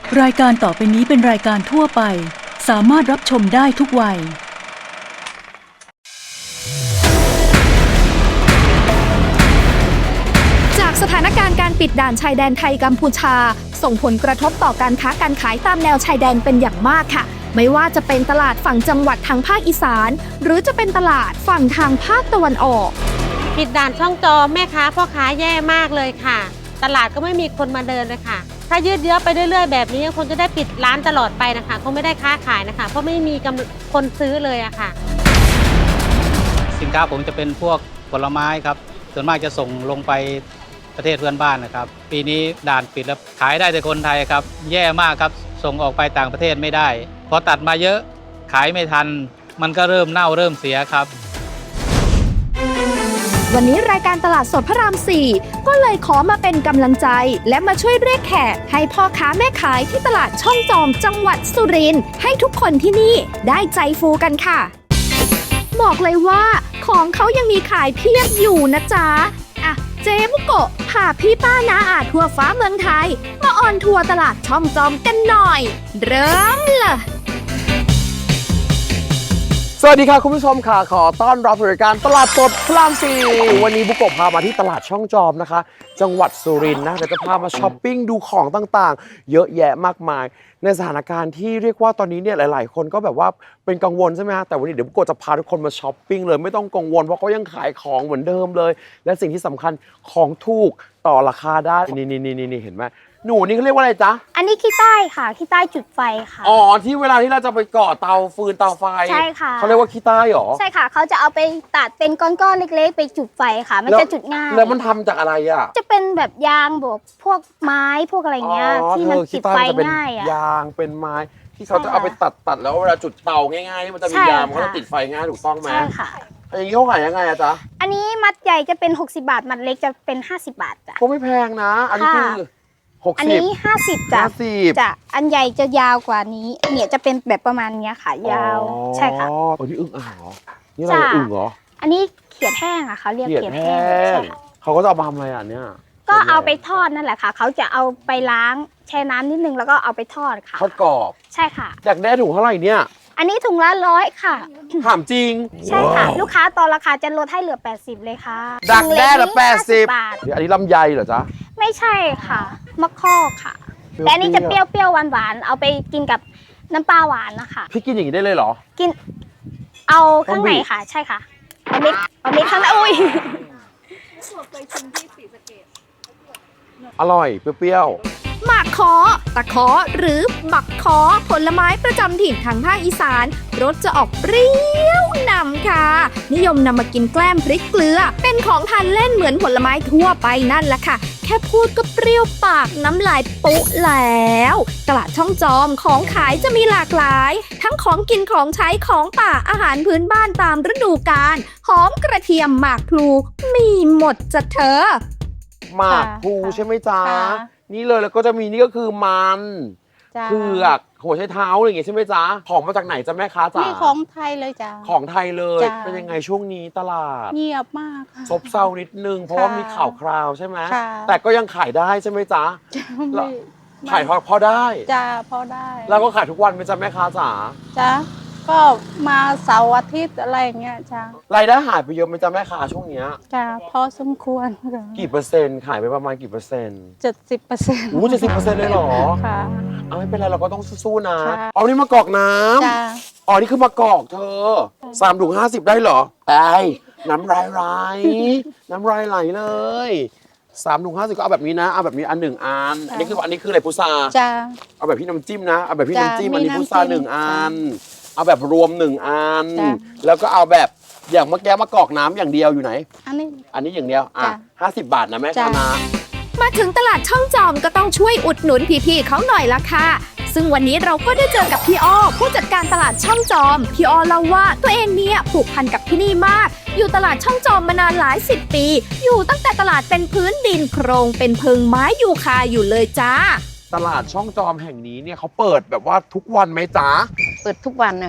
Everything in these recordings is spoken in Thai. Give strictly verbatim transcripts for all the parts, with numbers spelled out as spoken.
รายการต่อไปนี้เป็นรายการทั่วไปสามารถรับชมได้ทุกวัยจากสถานการณ์การปิดด่านชายแดนไทยกัมพูชาส่งผลกระทบต่อการค้าการขายตามแนวชายแดนเป็นอย่างมากค่ะไม่ว่าจะเป็นตลาดฝั่งจังหวัดทางภาคอีสานหรือจะเป็นตลาดฝั่งทางภาคตะวันออกปิดด่านช่องจอแม่ค้าพ่อค้าแย่มากเลยค่ะตลาดก็ไม่มีคนมาเดินเลยค่ะถ้ายืดเยื้อไปเรื่อยๆแบบนี้คงจะได้ปิดร้านตลอดไปนะคะคงไม่ได้ค้าขายนะคะเพราะไม่มีคนซื้อเลยอะค่ะสินค้าผมจะเป็นพวกผลไม้ครับส่วนมากจะส่งลงไปประเทศเพื่อนบ้านนะครับปีนี้ด่านปิดแล้วขายได้แต่คนไทยครับแย่มากครับส่งออกไปต่างประเทศไม่ได้พอตัดมาเยอะขายไม่ทันมันก็เริ่มเน่าเริ่มเสียครับวันนี้รายการตลาดสดพระรามสี่ก็เลยขอมาเป็นกำลังใจและมาช่วยเรียกแขกให้พ่อค้าแม่ขายที่ตลาดช่องจอมจังหวัดสุรินทร์ให้ทุกคนที่นี่ได้ใจฟูกันค่ะบอกเลยว่าของเขายังมีขายเพียบอยู่นะจ๊ะอ่ะเจ๊บุโกะพาพี่ป้าน้าอาทั่วฟ้าเมืองไทยมาออนทัวร์ตลาดช่องจอมกันหน่อยเริ่มเลยสวัสดีค่ะคุณผู้ชมค่ะขอต้อนรับรายการตลาดสดพระรามสี่วันนี้บุโกะพามาที่ตลาดช่องจอมนะคะจังหวัดสุรินทร์นะเดี๋ยวจะพามาช้อปปิ้งดูของต่างๆเยอะแยะมากมายในสถานการณ์ที่เรียกว่าตอนนี้เนี่ยหลายๆคนก็แบบว่าเป็นกังวลใช่ไหมฮะแต่วันนี้เดี๋ยวบุโกะจะพาทุกคนมาช้อปปิ้งเลยไม่ต้องกังวลเพราะเขายังขายของเหมือนเดิมเลยและสิ่งที่สำคัญของถูกต่อราคาได้นี่นี่นี่นี่เห็นไหมหนูนี่เขาเรียกว่าอะไรจ๊ะอันนี้ขี้ใต้ค่ะขี้ใต้จุดไฟค่ะอ๋อที่เวลาที่เราจะไปก่อเตาฟืนเตาไฟใช่ค่ะเขาเรียกว่าขี้ใต้หรอใช่ค่ะเขาจะเอาไปตัดเป็นก้อนๆเล็กๆไปจุดไฟค่ะมันจะจุดง่ายแล้วมันทำจากอะไรอ่ะจะเป็นแบบยางบวกพวกไม้พวกอะไรเงี้ยที่มันจุดไฟง่ายอ่ะยางเป็นไม้ที่เขาจะเอาไปตัดตัดแล้วเวลาจุดเตาง่ายๆมันจะมียางมันก็จะติดไฟง่ายถูกต้องไหมใช่ค่ะอย่างนี้เขาขายยังไงอะจ๊ะอันนี้มัดใหญ่จะเป็นหกสิบบาทมัดเล็กจะเป็นห้าสิบบาทจ้ะก็ไม่แพงนะอันนี้คือหกสิบอันนี้ห้าสิบจ้ะจ้ะอันใหญ่จะยาวกว่านี้เนี่ยจะเป็นแบบประมาณนี้ค่ะยาวใช่ค่ะอ๋อนี่อึ่งอ่างเหรอนี่อะไรอึ่งเหรออันนี้เขียดแห้งอะเขาเรียกเขียดแห้งเขาก็จะเอามาทำอะไรอ่ะเนี่ยก็เอาไปทอดนั่นแหละค่ะเขาจะเอาไปล้างแช่น้ำนิดนึงแล้วก็เอาไปทอดค่ะทอดกรอบใช่ค่ะอยากได้ถุงเท่าไหร่เนี่ยอันนี้ถุงละร้อยค่ะถามจริงใช่ค่ะลูกค้าต่อราคาจะลดให้เหลือแปดสิบเลยค่ะดักแด้ละแปดสิบอันนี้ลำไยเหรอจ๊ะไม่ใช่ค่ะมะข้อค่ะแต่อันนี้จะเปรี้ยวๆหวานๆเอาไปกินกับน้ำปลาหวานนะคะพี่กินอย่างนี้ได้เลยเหรอกินเอาข้างในค่ะใช่ค่ะเอาเม็ดเอาเม็ดข้างในอุ้ยอร่อยเปรี้ยวหมากขอตะขอหรือบักขอผลไม้ประจำถิ่นทางภาคอีสานรสจะออกเปรี้ยวนำค่ะนิยมนำมากินแกล้มพริกเกลือเป็นของทานเล่นเหมือนผลไม้ทั่วไปนั่นแหละค่ะแค่พูดก็เปรี้ยวปากน้ำลายปุ๊แล้วตลาดช่องจอมของขายจะมีหลากหลายทั้งของกินของใช้ของป่าอาหารพื้นบ้านตามฤดูกาลหอมกระเทียมหมากพลูมีหมดจะเธอหมากพลูใช่ไหมจ๊ะนี่เลยแล้วก็จะมีนี่ก็คือมันเผือกหัวไชเท้าอะไรอย่างเงี้ยใช่ไหมจ๊ะของมาจากไหนจ๊ะแม่ค้าจ๊ะนี่ของไทยเลยจ้ะของไทยเลยเป็นยังไงช่วงนี้ตลาดเงียบมากซบเซานิดนึงเพราะว่ามีข่าวคราวใช่ไหมแต่ก็ยังขายได้ใช่ไหมจ๊ะขายพอพอได้จ้าพอได้แล้วก็ขายทุกวันไหมจ๊ะแม่ค้าจ๋าจ้ะก็มาเสาร์อาทิตย์อะไรเงี้ยจ้ารายได้หายไปเยอะไหมจ๊ะแม่ค้าช่วงเนี้ยจ้าพอสมควรกี่เปอร์เซ็นต์ขายไปประมาณกี่เปอร์เซ็นต์เจ็ดสิบเปอร์เซ็นต์โอ้เจ็ดสิบเปอร์เซ็นต์เลยเหรอค่ะเอาไม่เป็นไรเราก็ต้องสู้ๆนะเอานี่มากอกน้ำจ้าอ๋อนี่คือมากอกเธอสามถุงห้าสิบได้เหรอไปน้ำลายไหลน้ำลายไหลเลยสามถุงห้าสิบก็เอาแบบนี้นะเอาแบบนี้อันหนึ่งอันอันนี้คืออันนี้คืออะไรพุทราจ้าเอาแบบพี่น้ำจิ้มนะเอาแบบพี่น้ำจิ้มอันนี้พุทราหนึ่งอันเอาแบบรวมหนึ่งอันแล้วก็เอาแบบอย่างเมื่อกี้มากอกน้ำอย่างเดียวอยู่ไหนอันนี้อันนี้อย่างเดียวอ่ะห้าสิบบาทนะแม่ชนะมาถึงตลาดช่องจอมก็ต้องช่วยอุดหนุนพี่ๆเขาหน่อยละค่ะซึ่งวันนี้เราก็ได้เจอกับพี่อ้อผู้จัดการตลาดช่องจอมพี่อ้อเล่าว่าตัวเองเนี่ยผูกพันกับที่นี่มากอยู่ตลาดช่องจอมมานานหลายสิบปีอยู่ตั้งแต่ตลาดเป็นพื้นดินโครงเป็นเพิงไม้ยูคาอยู่เลยจ้าตลาดช่องจอมแห่งนี้เนี่ยเขาเปิดแบบว่าทุกวันไหมจ๊ะเปิดทุกวันนะคะ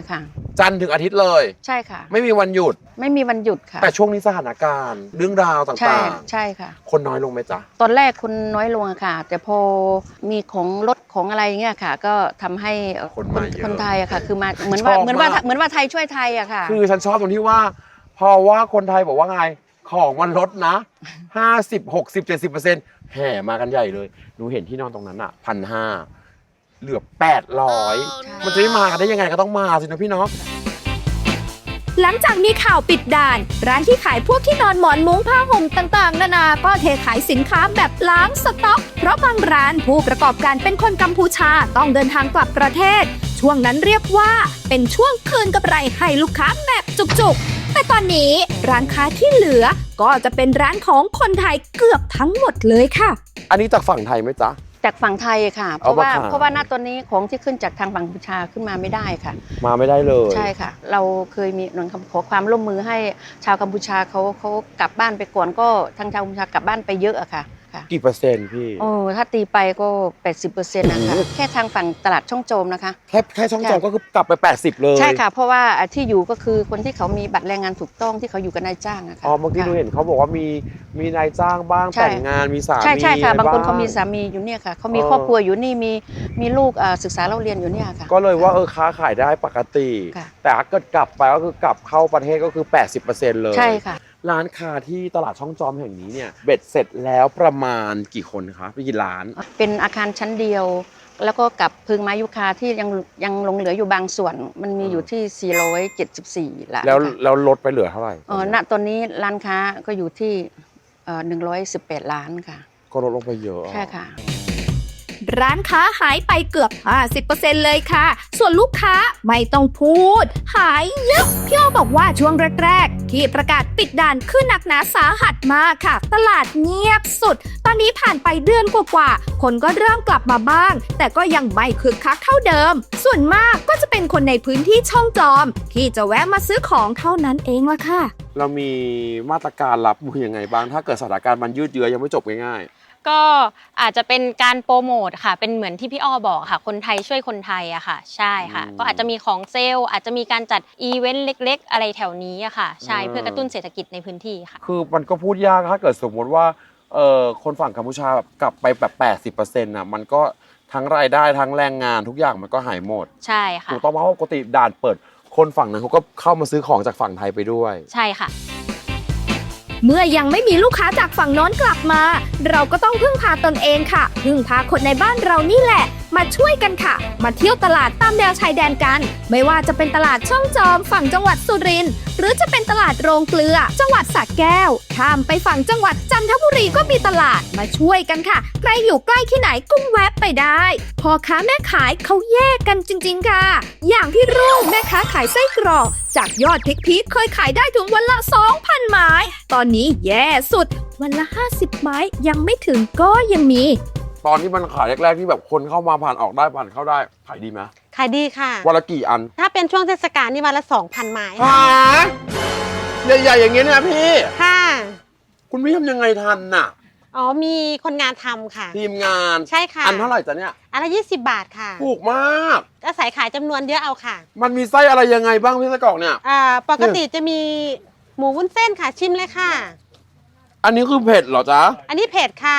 จันทร์ถึงอาทิตย์เลยใช่ค่ะไม่มีวันหยุดไม่มีวันหยุดค่ะแต่ช่วงนี้สถานการณ์ เรื่องราวต่ใช่างใช่ค่ะๆ คนน้อยลงไหมจ๊ะตอนแรกคนน้อยลงอะค่ะ แต่พอมีของรถของอะไรเงี้ยค่ะ ก็ทำให้เอ่อคนมาเยอะคนไทยอะค่ะ คือมาเหมือนว่าชอบเหมือนว่ามากเหมือนว่าไทยช่วยไทยอะค่ะคือฉันชอบตรงที่ว่า พอว่าคนไทยบอกว่าไงของมันลดนะ ห้าสิบ หกสิบ เจ็ดสิบเปอร์เซ็นต์แห่มากันใหญ่เลยหนูเห็นที่นอนตรงนั้นอ่ะพันห้าเหลือแปดร้อยใช่มันจะไม่มากันได้ยังไงก็ต้องมาสินะพี่เนาะหลังจากมีข่าวปิดด่าน ร้านที่ขายพวกที่นอนหมอนมุ้งผ้าห่มต่างๆ นานา ก็เทขายสินค้าแบบล้างสต็อก เพราะบางร้านผู้ประกอบการเป็นคนกัมพูชาต้องเดินทางกลับประเทศ ช่วงนั้นเรียกว่าเป็นช่วงคืนกำไรให้ลูกค้าแบบจุกๆ แต่ตอนนี้ร้านค้าที่เหลือก็จะเป็นร้านของคนไทยเกือบทั้งหมดเลยค่ะอันนี้จากฝั่งไทยไหมจ๊ะจากฝั่งไทยค่ะ เพเอาราะว่ามาขายเพราะว่าณตอนนี้ของที่ขึ้นจากทางฝั่งกัมพูชาขึ้นมาไม่ได้ค่ะมาไม่ได้เลยใช่ค่ะ เราเคยมีหน่วยขอความร่วมมือให้ชาวกัมพูชาเขาเขากลับบ้านไปก่อนก็ทางชาวกัมพูชากลับบ้านไปเยอะอะค่ะค่ะกี่เปอร์เซ็นต์พี่โอ้ถ้าตีไปก็ แปดสิบเปอร์เซ็นต์ นะคะโอ้โหแค่ทางฝั่งตลาดช่องโจมนะคะแค่แค่ช่องจอมก็คือกลับไปแปดสิบเลยใช่ค่ะ เพราะว่าที่อยู่ก็คือคนที่เขามีบัตรแรงงานถูกต้องที่เขาอยู่กับนายจ้างอะค่ะอ๋อเมื่อกี้ดูเห็นเขาบอกว่ามีมีนายจ้างบ้างใช่แต่งงานมีสามีใช่ใช่ค่ะอะไรบางคนเขามีสามีอยู่เนี่ยค่ะเขามีเออครอบครัวอยู่นี่มีมีลูกเอ่อศึกษาเล่าเรียนอยู่เนี่ยค่ะก็เลยว่าเออค้าขายได้ปกติค่ะแต่ถ้าเกิดกลับไปก็คือกลับเข้าประเทศก็คือ แปดสิบเปอร์เซ็นต์ เลยใช่ค่ะร้านค้าที่ตลาดช่องจอมแห่งนี้เนี่ยเบ็ดเสร็จแล้วประมาณกี่คนคะไปกี่ร้านเป็นอาคารชั้นเดียว แล้วก็กับพึงไม้ยุคาที่ยังยังหลงเหลืออยู่บางส่วน มันมีอยู่ที่ สี่ร้อยเจ็ดสิบสี่ล้านแล้วค่ะแล้วลดไปเหลือเท่าไหร่เออณตอนนี้ร้านค้าก็อยู่ที่เอ่อหนึ่งร้อยสิบแปดล้านค่ะก็ลดลงไปเยอะใช่ค่ะร้านค้าหายไปเกือบ ห้าสิบเปอร์เซ็นต์ เลยค่ะ ส่วนลูกค้าไม่ต้องพูด หายเยอะพี่อ้อบอกว่าช่วงแรกๆ ที่ประกาศปิดด่านขึ้นหนักหนาสาหัสมากค่ะ ตลาดเงียบสุด ตอนนี้ผ่านไปเดือนกว่าๆ คนก็เริ่มกลับมาบ้าง แต่ก็ยังไม่คึกคักเท่าเดิม ส่วนมากก็จะเป็นคนในพื้นที่ช่องจอม ที่จะแวะมาซื้อของเท่านั้นเองละค่ะเรามีมาตรการรับมือยังไงบ้าง ถ้าเกิดสถานการณ์มันยืดเยื้อยังไม่จบง่ายก็อาจจะเป็นการโปรโมทค่ะ เป็นเหมือนที่พี่อ้อบอกค่ะ คนไทยช่วยคนไทยอะค่ะ ใช่ค่ะอืมก็อาจจะมีของเซลล์ อาจจะมีการจัดอีเวนต์เล็ก ๆ อะไรแถวนี้อะค่ะ ใช่อืมเพื่อกระตุ้นเศรษฐกิจในพื้นที่ค่ะๆ คือมันก็พูดยากถ้าเกิดสมมติว่าเอ่อคนฝั่งกัมพูชาแบบกลับไปแบบ แปดสิบเปอร์เซ็นต์ น่ะมันก็ทั้งรายได้ทั้งแรงงานทุกอย่างมันก็หายหมดใช่ค่ะถูกต้องเพราะว่าปกติด่านเปิดคนฝั่งนั้นเขาก็เข้ามาซื้อของจากฝั่งไทยไปด้วยใช่ค่ะเมื่อยังไม่มีลูกค้าจากฝั่งโน้นกลับมา เราก็ต้องพึ่งพาตนเองค่ะ พึ่งพาคนในบ้านเรานี่แหละ มาช่วยกันค่ะ มาเที่ยวตลาดตามแนวชายแดนกัน ไม่ว่าจะเป็นตลาดช่องจอมฝั่งจังหวัดสุรินทร์หรือจะเป็นตลาดโรงเกลือ จังหวัดสระแก้วข้ามไปฝั่งจังหวัดจันทบุรีก็มีตลาดมาช่วยกันค่ะ ใครอยู่ใกล้ที่ไหนก็แวะไปได้พ่อค้าแม่ขายเขาแยกกันจริง ๆ ค่ะ อย่างพี่รุ่งแม่ค้าขายไส้กรอก จากยอดพีคๆเคยขายได้ถึงวันละ สองพัน ไม้ ตอนนี้แย่สุดวันละ ห้าสิบ ไม้ยังไม่ถึงก็ยังมีตอนที่มันขายแรกๆที่แบบคนเข้ามาผ่านออกได้ผ่านเข้าได้ขายดีไหมขายดีค่ะวันละกี่อันถ้าเป็นช่วงเทศกาลนี่วันละ สองพัน ไม้หาใหญ่ๆอย่างเงี้ยเนี่ยพี่ค่ะคุณพี่ทำยังไงทันน่ะอ๋อมีคนงานทำค่ะทีมงานใช่ค่ะอันเท่าไหร่จ๊ะเนี่ยอันละยี่สิบบาทค่ะถูกมากอาศัยขายจำนวนเยอะเอาค่ะมันมีไส้อะไรยังไงบ้างพี่ไส้กรอกเนี่ยอ่าปกติจะมีหมูวุ้นเส้นค่ะชิมเลยค่ะอันนี้คือเผ็ดเหรอจ๊ะอันนี้เผ็ดค่ะ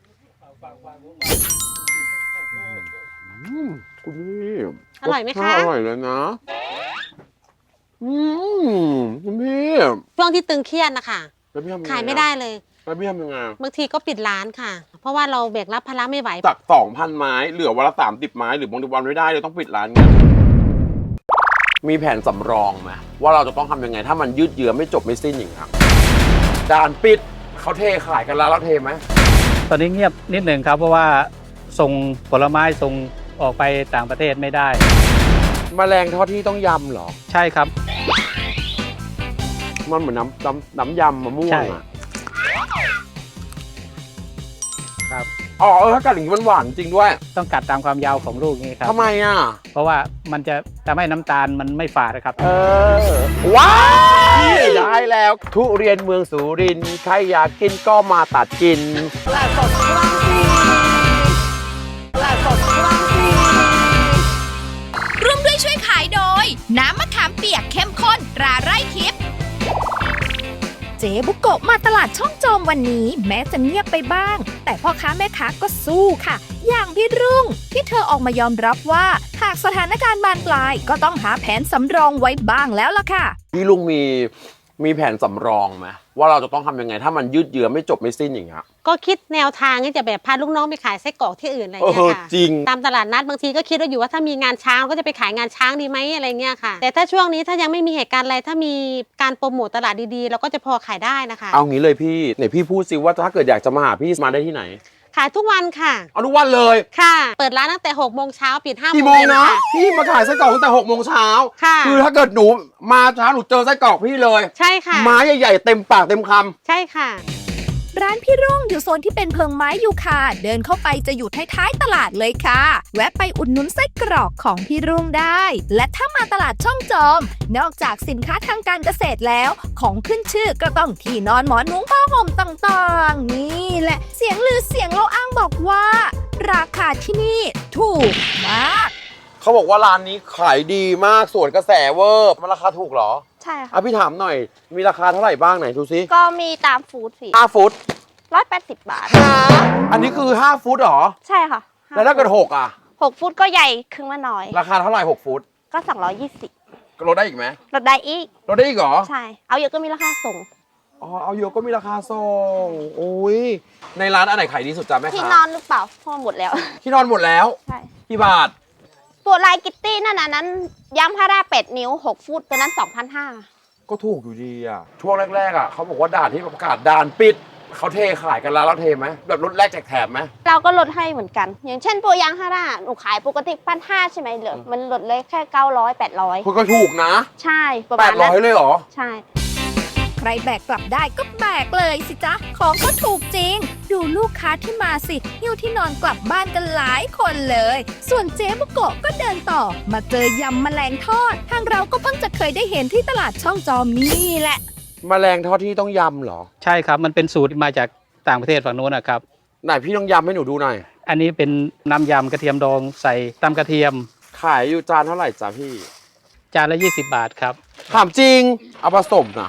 อืมคุณพี่อร่อยไหมคะรสชาติอร่อยเลยนะอืมคุณพี่ช่วงที่ตึงเครียดนะคะแล้วพี่ทำงงขายไม่ได้เลยแล้วพี่ทำยังไงบางทีก็ปิดร้านค่ะ เพราะว่าเราแบกรับภาระไม่ไหวจากสองพันไม้เหลือวันละสามสิบไม้หรือบางทีวันไม่ได้เลยต้องปิดร้านเงี้ยมีแผนสำรองไหมว่าเราจะต้องทำยังไง ถ้ามันยืดเยื้อไม่จบไม่สิ้นอย่างครับด่านปิดเขาเทขายกันแล้วเราเทไหมตอนนี้เงียบนิดหนึ่งครับ เพราะว่าส่งผลไม้ส่งออกไปต่างประเทศไม่ได้แมลงทอดที่ต้องยำเหรอใช่ครับมันเหมือนน้ำน้ำน้ำยำมะม่วใช่งอ่ะครับอ๋อเออถ้ากัดอย่างนี้มันหวานจริงด้วยต้องกัดตามความยาวของลูกนี้ครับทำไมอ่ะเพราะว่ามันจะทำให้น้ำตาลมันไม่ฝาดนะครับเออว้ายได้แล้ว ทุเรียนเมืองสุรินทร์ใครอยากกินก็มาตัดกินร่วมด้วยช่วยขายโดย น้ำมะขามเปียกเจ๊บุโกะมาตลาดช่องโจมวันนี้แม้จะเงียบไปบ้าง แต่พ่อค้าแม่ค้าก็สู้ค่ะ อย่างพี่รุ่งที่เธอออกมายอมรับว่าหากสถานการณ์บานปลายก็ต้องหาแผนสำรองไว้บ้างแล้วล่ะค่ะพี่ลุงมีมีแผนสำรองไหมว่าเราจะต้องทำยังไงถ้ามันยืดเยื้อไม่จบไม่สิ้นอย่างเงี้ยก็คิดแนวทางที่จะแบบพาลูกน้องไปขายไส้กรอกที่อื่นอะไรเอเงี้อยค่ะจริงตามตลาดนัดบางทีก็คิดว่าอยู่ว่าถ้ามีงานช้างก็จะไปขายงานช้างดีไหมอะไรเงี้ยค่ะแต่ถ้าช่วงนี้ถ้ายังไม่มีเหตุการณ์อะไรถ้ามีการโปรโมตตลาดดีๆเราก็จะพอขายได้นะคะเอางี้เลยพี่ไหนพี่พูดสิว่าถ้าเกิดอยากจะมาหาพี่มาได้ที่ไหนขายทุกวันค่ะเอาทุกวันเลยค่ะ เปิดร้านตั้งแต่หกโมงเช้าปิดห้าโมกี่งโมงเย็นนะค่ะพี่มาขายไส้กรอกตั้งแต่หกโมงเช้าค่ะคือถ้าเกิดหนูมาช้าหนูเจอไส้กรอกพี่เลยใช่ค่ะไม้ใหญ่ๆเต็มปากเต็มคำใช่ค่ะร้านพี่รุ่งอยู่โซนที่เป็นเพิงไม้ยูคาเดินเข้าไปจะอยู่ท้ายๆตลาดเลยค่ะ แวะไปอุดหนุนไส้กรอกของพี่รุ่งได้ และถ้ามาตลาดช่องจอม นอกจากสินค้าทางการเกษตรแล้ว ของขึ้นชื่อก็ต้องที่นอนหมอนมุ้งผ้าห่มต่างๆ นี่แหละเสียงลือเสียงเล่าอ้างบอกว่า ราคาที่นี่ถูกมากเขาบอกว่าร้านนี้ขายดีมากสวนกระแสเวอร์มันราคาถูกเหรอใช่ค่ะอ่ะพี่ถามหน่อยมีราคาเท่าไหร่บ้างไหนดูซิก็มีตามฟู้ดสิห้าฟุตร้อยแปดสิบบาทอันนี้คือห้าฟุตเหรอใช่ค่ะแล้วถ้าเกิดหกอ่ะหกฟุตก็ใหญ่ครึ่งละน้อยราคาเท่าไหร่หกฟุตก็สองร้อยยี่สิบก็ลดได้อีกไหมลดได้อีกลดได้อีกเหรอใช่ เอาเยอะก็มีราคาส่งอ๋อเอาเยอะก็มีราคาส่งโอ้ยในร้านอันไหนขายดีสุดจ้ะแม่ที่ค้านอนหรือเปล่าเพราะหมดแล้วที่นอนหมดแล้วใช่กี่บาทตัวลายกิตตี้นั่นน่ะนั้นย้ำพาราเป็ดนิ้วหกฟุตตัวนั้นสองพันห้าก็ถูกอยู่ดีอ่ะช่วงแรกๆอ่ะเขาบอกว่าด่านที่ประกาศด่านปิดเขาเทขายกันแล้วเราเทไหมแบบลดแรกแจกแถมไหมเราก็ลดให้เหมือนกัน อย่างเช่นตัวยางฮาร่าหนูขายปกติพันห้าใช่ไหมเหลือมันลดเลยแค่เก้าร้อยแปดร้อยคุณก็ถูกนะใช่ประแปมาณดร้นั้อยนเลยเหรอใช่ใครแบกกลับได้ก็แบกเลยสิจ๊ะ ของก็ถูกจริง ดูลูกค้าที่มาสิหิ้วที่นอนกลับบ้านกันหลายคนเลย ส่วนเจ๊บุโกะก็เดินต่อ มาเจอยำแมลงทอด ทางเราก็เพิ่งจะเคยได้เห็นที่ตลาดช่องจอมนี่แหละแมลงทอดที่ต้องยำเหรอใช่ครับมันเป็นสูตรมาจากต่างประเทศฝั่งโน้นนะครับไหนพี่ต้องยำให้หนูดูหน่อยอันนี้เป็นน้ำยำกระเทียมดองใส่ตำกระเทียมขายอยู่จานเท่าไหร่จ้ะพี่จานละยี่สิบบาทครับถามจริง เอาผสมนะ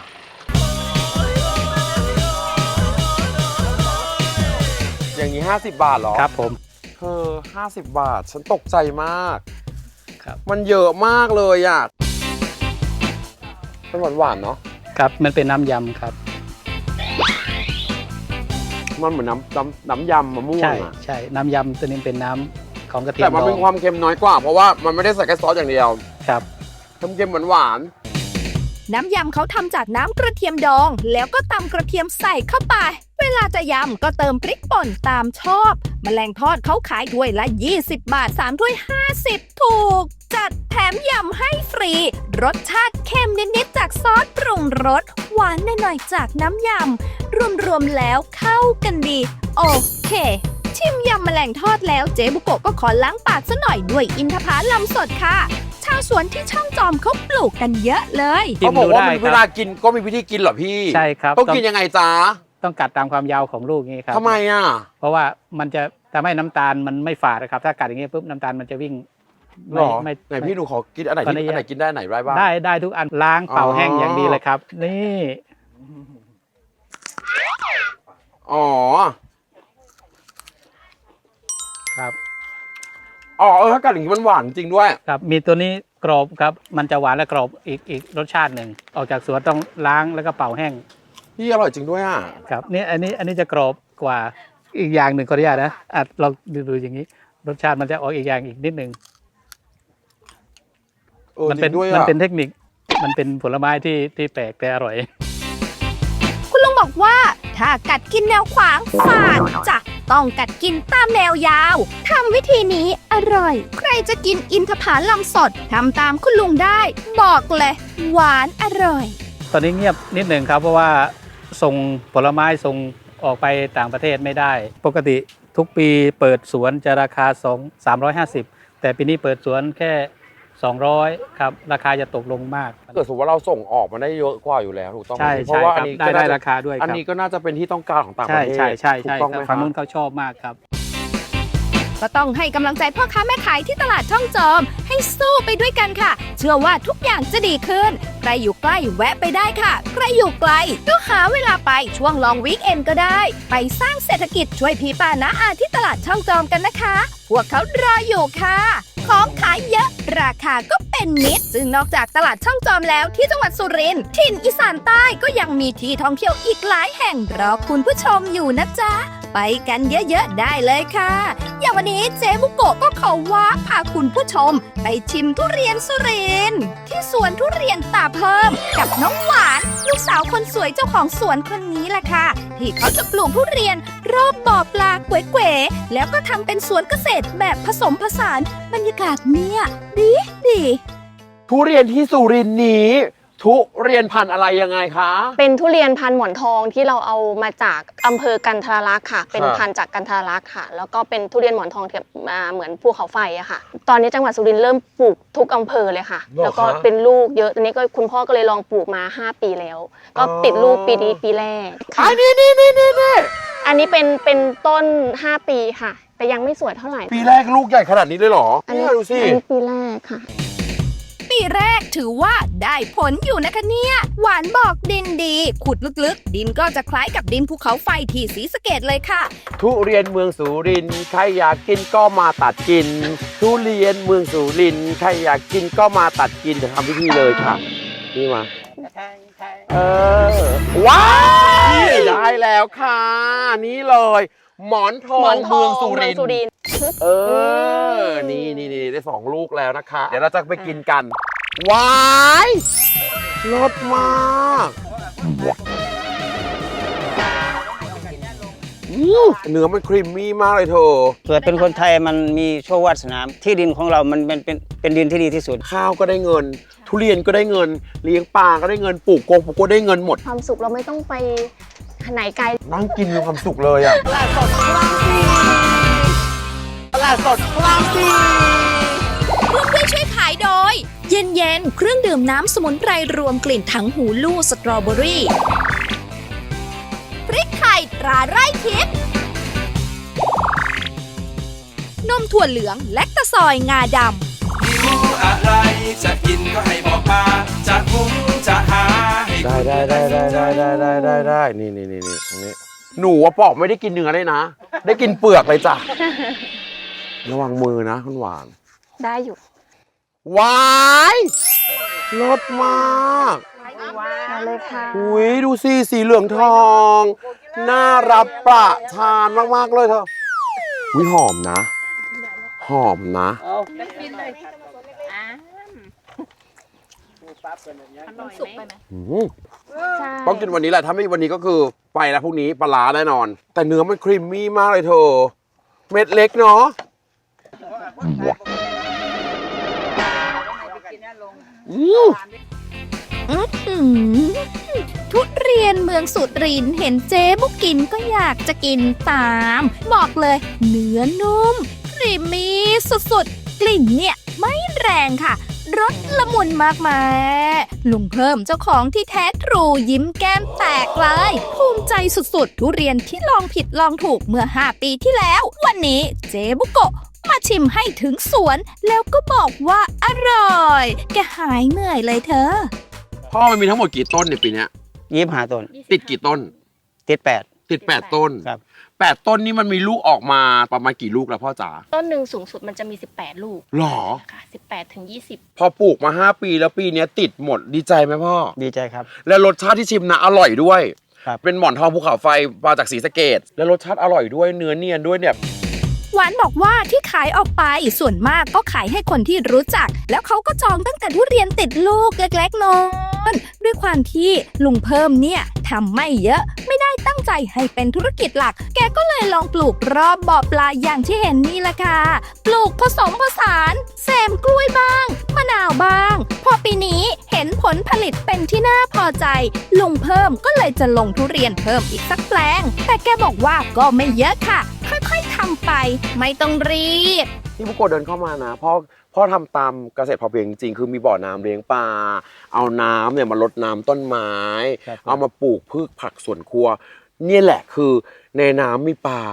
อย่างนี้ห้าสิบบาทเหรอครับผมเธอห้าสิบบาท ฉันตกใจมากครับมันเยอะมากเลยอ่ะมันหวานหวานๆเนาะครับมันเป็นน้ำยำครับมันเหมือนน้ำน้ำน้ำยำมะม่วใช่งอ่ะใช่น้ำยำตัวนี้เป็นน้ำของกระเทียมแต่มันดอเป็นงความเค็มน้อยกว่า เพราะว่ามันไม่ได้ใส่แค่ซอสอย่างเดียวครับเค็มๆหวานน้ำยำเขาทำจากน้ำกระเทียมดอง แล้วก็ตำกระเทียมใส่เข้าไป เวลาจะยำก็เติมพริกป่นตามชอบ แมลงทอดเขาขายถ้วยละ ยี่สิบบาท สามถ้วย ห้าสิบ ถูก จัดแถมยำให้ฟรี รสชาติเค็มนิดๆจากซอสปรุงรส หวานหน่อยๆจากน้ำยำ รวมๆแล้วเข้ากันดี โอเค ชิมยำแมลงทอดแล้วเจ๊บุโกะก็ขอล้างปากซะหน่อยด้วยอินทผลัมสดค่ะ ชาวสวนที่ช่องจอมเขาปลูกกันเยอะเลยๆเขาบอกว่ามันชิมดูได้ครับเวลากินก็มีวิธีกินเหรอพี่ใช่ครับต้องกินยังไงจ๊ะต้องกัดตามความยาวของลูกนี้ครับทำไมอ่ะเพราะว่ามันจะทำให้น้ำตาลมันไม่ฝาดนะครับ ถ้ากัดอย่างนี้ปุ๊บน้ำตาลมันจะวิ่งหรอไม่ไหนพี่หนูขอกินอันไหนขออนุที่ญาตอันไหนกินได้ไหนได้บ้างได้ได้ทุกอันล้างเป่าอ๋อแห้งอย่างดีเลยครับ นี่อ๋อครับอ๋อเออถ้ากัดอย่างนี้มันหวานจริงด้วยครับมีตัวนี้กรอบครับมันจะหวานและกรอบอีกอีกรสชาติหนึ่งออกจากสวนต้องล้างแล้วก็เป่าแห้งพี่อร่อยจริงด้วยอ่ะครับนี่อันนี้อันนี้จะกรอบกว่าอีกอย่างหนึ่งขออนุญาตนะอ่ะลองดูดูอย่างนี้ รสชาติมันจะออกอีกอย่างอีกนิดหนึ่งเออมัจเป็รินงด้วยมันอ่ะเป็นเทคนิคมันเป็นผลไม้ที่ที่แปลกแต่อร่อยคุณลุงบอกว่า ถ้ากัดกินแนวขวางฝาดจะต้องกัดกินตามแนวยาวทำวิธีนี้อร่อย ใครจะกินอินทผลัมสดทำตามคุณลุงได้ บอกเลยหวานอร่อยตอนนี้เงียบนิดหนึ่งครับเพราะว่าส่งผลไม้ส่งออกไปต่างประเทศไม่ได้ ปกติทุกปีเปิดสวนจะราคาสอง สามร้อยห้าสิบแต่ปีนี้เปิดสวนแค่สองร้อยครับราคาจะตกลงมากเกิดสมมติว่าเราส่งออกมาได้เยอะกว่าอยู่แล้วถูกต้องไหมใช่เพใช่ราะว่าคอันรับนี้ได้ก็ได้น่าจะราคาด้วยอันครับนี้ก็น่าจะเป็นที่ต้องการของต่างปใช่ระเทศใช่ใช่ถูใช่กต้องไหมฝั่งนู้นครับเขาชอบมากครับก็ต้องให้กำลังใจพ่อค้าแม่ขายที่ตลาดช่องจอมให้สู้ไปด้วยกันค่ะ เชื่อว่าทุกอย่างจะดีขึ้นใครอยู่ใกล้แวะไปได้ค่ะใครอยู่ไกลก็หาเวลาไปช่วงลองวีคเอนก็ได้ไปสร้างเศรษฐกิจช่วยพี่ป้าน้าอาที่ตลาดช่องจอมกันนะคะพวกเขารออยู่ค่ะของขายเยอะราคาก็เป็นมิตรซึ่งนอกจากตลาดช่องจอมแล้วที่จังหวัดสุรินทร์ถิ่นอีสานใต้ก็ยังมีที่ท่องเที่ยวอีกหลายแห่งรอคุณผู้ชมอยู่นะจ๊ะไปกันเยอะๆได้เลยค่ะอย่างวันนี้เจ๊บุโกะก็ขอว่าพาคุณผู้ชมไปชิมทุเรียนสุรินทร์ที่สวนทุเรียนตาเพิ่มกับน้องหวานลูกสาวคนสวยเจ้าของสวนคนนี้แหละค่ะที่เขาจะปลูกทุเรียนรอบบ่อปลาเก๋ๆแล้วก็ทำเป็นสวนเกษตรแบบผสมผสานบรรยากาศเนี่ยดีดีทุเรียนที่สุรินทร์นี้ทุเรียนพันธุ์อะไรยังไงคะเป็นทุเรียนพันธุ์หมอนทองที่เราเอามาจากอำเภอกันทรลักษณ์ค่ะเป็นพันธุ์จากกันทรลักษณ์ค่ะแล้วก็เป็นทุเรียนหมอนทองที่มาเหมือนภูเขาไฟอะค่ะตอนนี้จังหวัดสุรินทร์เริ่มปลูกทุกอำเภอเลยค่ะแล้วก็เป็นลูกเยอะตอนนี้ก็คุณพ่อก็เลยลองปลูกมาห้าปีแล้วก็ติดลูกปีนี้ปีแรกค่ะนี่นี่นี่นี่นี่อันนี้เป็นเป็นต้นห้าปีค่ะแต่ยังไม่สวยเท่าไหร่ปีแรกลูกใหญ่ขนาดนี้เลยเหรออันนี้ดูสิอันนี้ปีแรกค่ะปีแรกถือว่าได้ผลอยู่นะคะเนี่ยหวานบอกดินดีขุดลึกๆดินก็จะคล้ายกับดินภูเขาไฟที่ศรีสะเกษเลยค่ะทุเรียนเมืองสุรินทร์ใครอยากกินก็มาตัดกินทุเรียนเมืองสุรินทร์ใครอยากกินก็มาตัดกินจะทำพิธีเลยค่ะนี่มาเออว้าวได้แล้วค่ะนี่เลยหมอนทองเมืองสุรินทร์เออนี่นี่นี่ได้สองลูกแล้วนะคะเดี๋ยวเราจะไปกินกันว้ายรสมากเนื้อมันครีมมี่มากเลยเธอเกิดเป็นคนไทยมันมีโชควาสนาที่ดินของเรามันเป็นเป็นเป็นดินที่ดีที่สุดข้าวก็ได้เงินทุเรียนก็ได้เงินเลี้ยงปลาก็ได้เงินปลูกกงปลูกก็ได้เงินหมดความสุขเราไม่ต้องไปไหนไกลนั่งกินมีความสุขเลยอ่ะตลาดสดคลองสี่ตลาดสดคลองสี่ร่วมด้วยช่วยขายโดยเย็นเย็นเครื่องดื่มน้ำสมุนไพรรวมกลิ่นถังหูลู่สตรอเบอรี่พริกไทยตราไร่ทิพย์นมถั่วเหลืองแลคตาซอยงาดำหิวอะไรจะกินก็ให้บอกมาจะหุงจะหาได้ได้ได้ได้ได้ได้ได้ได้ได้นี่นี่นี่นี่ตรงนี้หนูว่าปอกไม่ได้กินเนื้อเลยนะได้กินเปลือกเลยจ้ะระวังมือนะคุณหวานได้อยู่ว้ายรสมากมาเลยค่ะอุ้ยดูสิสีเหลืองทองน่ารับประทานมากๆเลยเธอวิหอมนะหอมนะสุกไปไหมต้องกินวันนี้แหละถ้าไม่วันนี้ก็คือไปแล้วพรุ่งนี้ปลาร้าแน่นอนแต่เนื้อมันครีมมี่มากเลยเธอเม็ดเล็กเนาะทุเรียนเมืองสุรินทร์เห็นเจ๊บุกกินก็อยากจะกินตามบอกเลยเนื้อนุ่มครีมมี่สุดๆกลิ่นเนี่ยไม่แรงค่ะรสละมุนมากมายลุงเพิ่มเจ้าของที่แท้ทรูยิ้มแก้มแตกเลยภูมิใจสุดๆทุเรียนที่ลองผิดลองถูกเมื่อห้าปีที่แล้ววันนี้เจ๊บุโกะมาชิมให้ถึงสวนแล้วก็บอกว่าอร่อยแกหายเหนื่อยเลยเธอพ่อมันมีทั้งหมดกี่ต้นในปีนี้ยี่สิบห้าต้นติดกี่ต้นติดแปดติดแปดต้นครับแปดต้นนี้มันมีลูกออกมาประมาณกี่ลูกแล้วพ่อจ๋าต้นหนึ่งสูงสุดมันจะมีสิบแปดลูกหรอค่ะสิบแปดถึงยี่สิบพอปลูกมาห้าปีแล้วปีนี้ติดหมดดีใจไหมพ่อดีใจครับและรสชาติที่ชิมนะอร่อยด้วยครับเป็นหมอนทองภูเขาไฟมาจากศรีสะเกษและรสชาติอร่อยด้วยเนื้อเนียนด้วยเนี่ยหวานบอกว่าที่ขายออกไปส่วนมากก็ขายให้คนที่รู้จักแล้วเขาก็จองตั้งแต่ทุเรียนติดลูกเล็กๆน้อยด้วยความที่ลุงเพิ่มเนี่ยทำไม่เยอะไม่ได้ตั้งใจให้เป็นธุรกิจหลักแกก็เลยลองปลูกรอบบ่อปลาอย่างที่เห็นนี่แหละค่ะปลูกผสมผสานแซมกล้วยบ้างมะนาวบ้างพอปีนี้เห็นผลผลิตเป็นที่น่าพอใจลุงเพิ่มก็เลยจะลงทุเรียนเพิ่มอีกสักแปลงแต่แกบอกว่าก็ไม่เยอะค่ะค่อยๆทำไปไม่ต้องรีบที่บุโกะเดินเข้ามานะพ่อพ่อทำตามเกษตรพอเพียงจริงๆคือมีบ่อน้ำเลี้ยงปลาเอาน้ำเนี่ยมารดน้ำต้นไม้เอามาปลูกพืชผักสวนครัวนี่แหละคือในน้ำมีปลา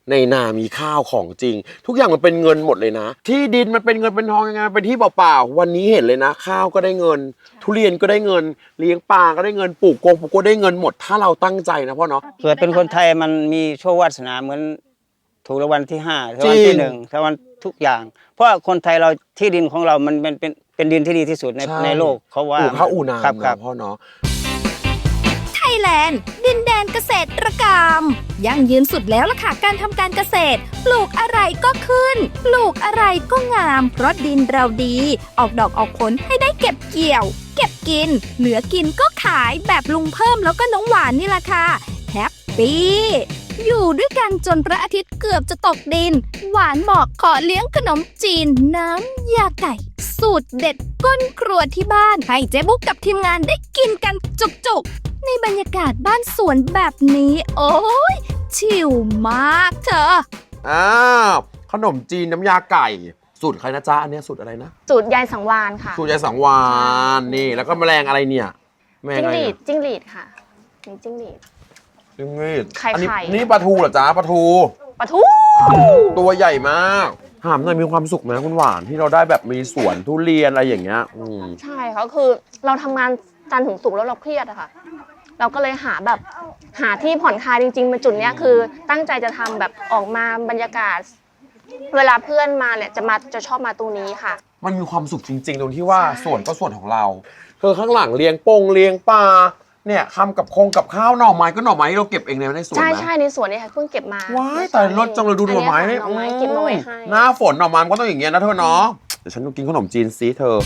ในนามีข้าวของจริง ทุกอย่างมันเป็นเงินหมดเลยนะ ที่ดินมันเป็นเงินเป็นทองยังไงมันเป็นที่เปล่าๆวันนี้เห็นเลยนะ ข้าวก็ได้เงิน ทุเรียนก็ได้เงิน เลี้ยงปลาก็ได้เงินปลูกกงปลูกก็ได้เงินหมดถ้าเราตั้งใจนะพ่อเนาะเกิดเป็นคนไทยมันมีโชควาสนาเหมือนถูกรางวัลที่ห้ารางวัลที่หนึ่งรางวัลทุกอย่าง เพราะคนไทยเราที่ดินของเรามันเป็นเป็นเป็นดินที่ดีที่สุดในในโลกเขาว่าปลูกข้าวอู่นาครับเนาะครับพ่อเนาะไทยแลนด์ดินแดนเกษตรกรรมยั่งยืนสุดแล้วล่ะค่ะการทำการเกษตร ปลูกอะไรก็ขึ้น ปลูกอะไรก็งาม เพราะดินเราดี ออกดอกออกผลให้ได้เก็บเกี่ยว เก็บกิน เหลือกินก็ขายแบบลุงเพิ่มแล้วก็น้องหวานนี่แหละค่ะแฮปปี้อยู่ด้วยกันจนพระอาทิตย์เกือบจะตกดิน หวานบอกขอเลี้ยงขนมจีนน้ำยาไก่ สูตรเด็ดก้นครัวที่บ้านให้เจ๊บุ๊กกับทีมงานได้กินกันจุกๆในบรรยากาศบ้านสวนแบบนี้ โอ้ยชิลมากเธออ้าวขนมจีนน้ำยาไก่ สูตรใครนะจ๊ะอันเนี้ยสูตรอะไรนะสูตรยายสังวานค่ะสูตรยายสังวานนี่แล้วก็แมลงอะไรเนี่ยแมลงจิ้งอะไรหรีเนี่ดยจิ้งหรีดค่ะมีจิ้งหรีดจิ้งหรีดไข่อันนี้ไข่นี่ปลาทูเหรอจ๊ะปลาทูปะทูตัวใหญ่มากถามหน่อยมีความสุขไหมคุณหวานที่เราได้แบบมีสวนทุเรียนอะไรอย่างเงี้ยอืมใช่ค่ะคือเราทำงานจันทร์ถึงศุกร์แล้วเราเครียดอะค่ะ เราก็เลยหาแบบหาที่ผ่อนคลายจริงๆเป็นจุดเนี้ยคือตั้งใจจะทำแบบออกมาบรรยากาศ เวลาเพื่อนมาเนี่ยจะมาจะชอบมาตรงนี้ค่ะมันมีความสุขจริงๆตรงที่ว่าใช่ส่วนก็ส่วนของเราคือข้างหลังเลี้ยงปงเลี้ยงปลาเนี่ยทำกับคงกับข้าวหน่อไม้ก็หน่อไม้ที่เราเก็บเองในสวนใช่นะใช่ในสวนเนี่ยค่ะเพิ่งเก็บมาว้ายแต่รสจังเลยดูหน่อไม้นี่หน่อไม้เก็บมาไว้ให้หน้าฝนหน่อไม้มันก็ต้องอย่างเงี้ยนะเธอเนาะเดี๋ยวฉันต้องกินขนมจีนซีเธอ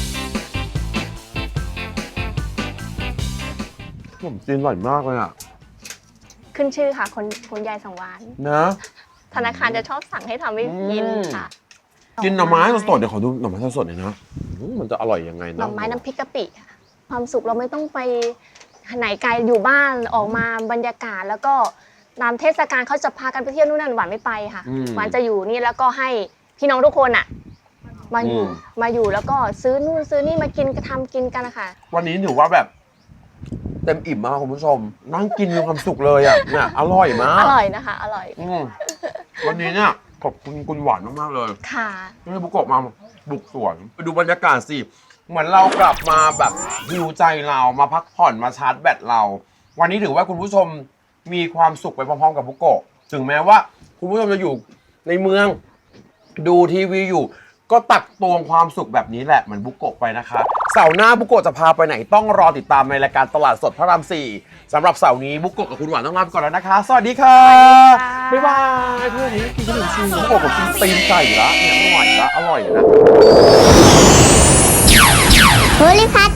ขนมจีนอร่อยมากเลยอ่ะขึ้นชื่อค่ะคนคนยายสังวานนะธนาคารจะชอบสั่งให้ทำให้กินค่ะกินหน่อไม้สดๆเดี๋ยวขอดูหน่อไม้สดๆหน่อยนะอืมมันจะอร่อยยังไงหนะน่อไม้น้ำพริกกะปิค่ะความสุขเราไม่ต้องไปไหนไกลอยู่บ้านออกมาบรรยากาศแล้วก็ตามเทศกาลเขาจะพากันไปเที่ยวนู่นนั่นหวานไม่ไปค่ะอืมหวานจะอยู่นี่แล้วก็ให้พี่น้องทุกคนอ่ะมาอยู่อืมมาอยู่แล้วก็ซื้อนู่นซื้อนี่มากินก็ทำกินกันนะคะวันนี้ถือว่าแบบเต็มอิ่มมากคุณผู้ชม นั่งกินมีความสุขเลยอ่ะเนี่ยอร่อยมาอก ร่อยนะคะอร่อยอืมวันนี้เนี่ยขอบคุณคุณหวานมากๆเลยค่ะที่ให้บุกโกะมาบุกสวนไปดูบรรยากาศสิเหมือนเรากลับมาแบบฮิวใจเรามาพักผ่อนมาชาร์จแบตเรา วันนี้ถือว่าคุณผู้ชมมีความสุขไปพร้อมๆกับบุกโกะถึงแม้ว่าคุณผู้ชมจะอยู่ในเมืองดูทีวีอยู่ ก็ตักตวงความสุขแบบนี้แหละเหมือนบุกโกะไปนะคะเสาร์หน้าบุกโกะจะพาไปไหนต้องรอติดตามในรายการตลาดสดพระรามสี่สำหรับเสาร์นี้บุกโกะกับคุณหวานต้องลาไปก่อนแล้วนะคะ สวัสดีค่ะบ๊ายบายเพื่อนนี้กินขนมจีนบุกโกะกับกินตีนไก่ละเนี่ยไม่ไหวละอร่อยนะโพลิพัท